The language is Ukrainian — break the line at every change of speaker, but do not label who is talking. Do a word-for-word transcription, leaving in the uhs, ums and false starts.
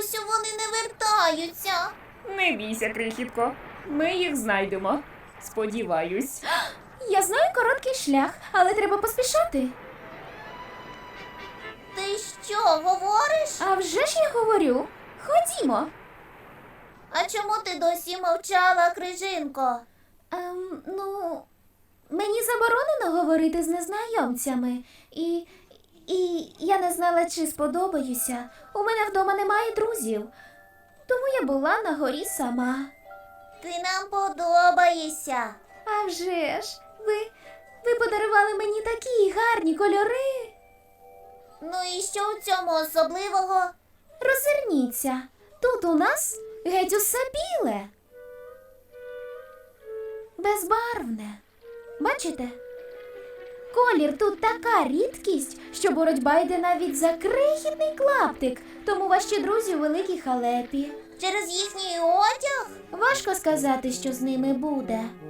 Бабусю, вони не вертаються.
Не бійся, крихітко. Ми їх знайдемо. Сподіваюсь.
Я знаю короткий шлях, але треба поспішати.
Ти що, говориш?
А вже ж я говорю. Ходімо.
А чому ти досі мовчала, Крижинко?
Ем, ну, мені заборонено говорити з незнайомцями. І, і я не знала, чи сподобаюся. У мене вдома немає друзів. Тому я була на горі сама.
Ти нам подобаєшся.
А вже ж, ви, ви подарували мені такі гарні кольори.
Ну і що у цьому особливого?
Роззирніться, тут у нас геть усе біле. Безбарвне. Бачите? Колір тут така рідкість, що боротьба йде навіть за крихітний клаптик, тому ваші друзі у великій халепі.
Через їхній одяг?
Важко сказати, що з ними буде.